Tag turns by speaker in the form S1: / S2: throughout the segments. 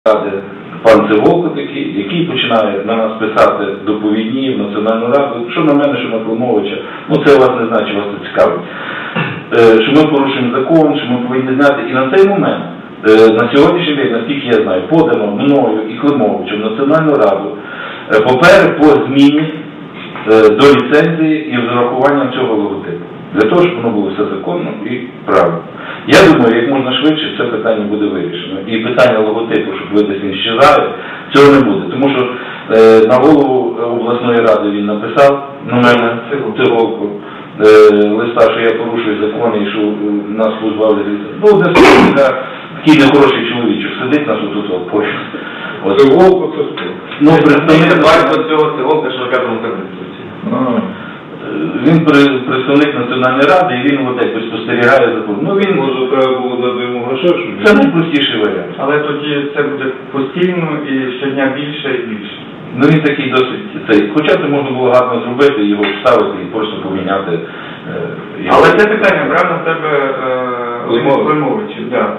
S1: Ради пан Циволко такий, який починає на нас писати доповідні в Національну Раду, що на мене, що на Климовича, ну це вас не знає, чи вас це цікавить, що ми порушуємо закон, що ми повинні зняти. І на цей момент, на сьогоднішній день, наскільки я знаю, подано мною і Климовичем в Національну Раду папери по зміні до ліцензії і з урахуванням цього логотипу. Для того, щоб воно було все законно і правильно. Я думаю, як можна швидше це питання буде вирішено. І питання логотипу, щоб ви десь не щезали, цього не буде. Тому що на голову обласної ради він написав, на мене, Циволко, листа, що я порушую закони і що нас позбавили ліцензії. Ну, одне слово, такий нехороший чоловічок сидить нас отут поряд.
S2: Циволко це хто?
S1: Ну, представник
S3: батько цього Циволка, що в п'ятому кабінеті.
S1: Він представник Національної Ради, і він от якось спостерігає за. Ну, він...
S2: Може, треба було дати йому грошей, щоб...
S1: Це найпростіший варіант.
S3: Але тоді це буде постійно і щодня більше і більше.
S1: Ну, він такий досить... Хоча це можна було гарно зробити, його вставити і просто поміняти.
S3: Але це питання брав на тебе Климовичів, так.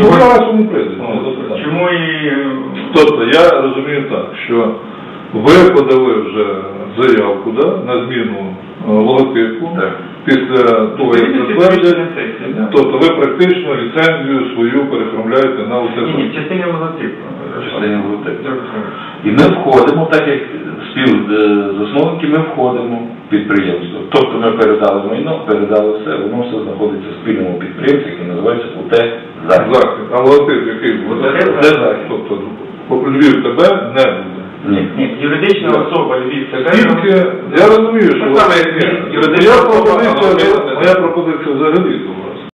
S3: Чому і...
S2: Тобто, я розумію так, що ви подали вже заявку на зміну логотипу після того, як затвердять. Тобто ви практично ліцензію свою переформляєте на оце.
S3: Ні, в частині логотипу.
S1: І ми входимо, так як співзасновники, ми входимо в підприємство. Тобто ми передали майно, передали все, воно все знаходиться в спільному підприємстві, який називається УТ-Захід.
S2: А логотип який буде?
S1: УТ-Захід.
S2: Тобто Львів тебе не буде.
S1: Ні.
S3: Юридична особа Львів ТБ.
S2: Тільки, я розумію, що
S3: юридична особа.
S2: моя пропозиція взагалі,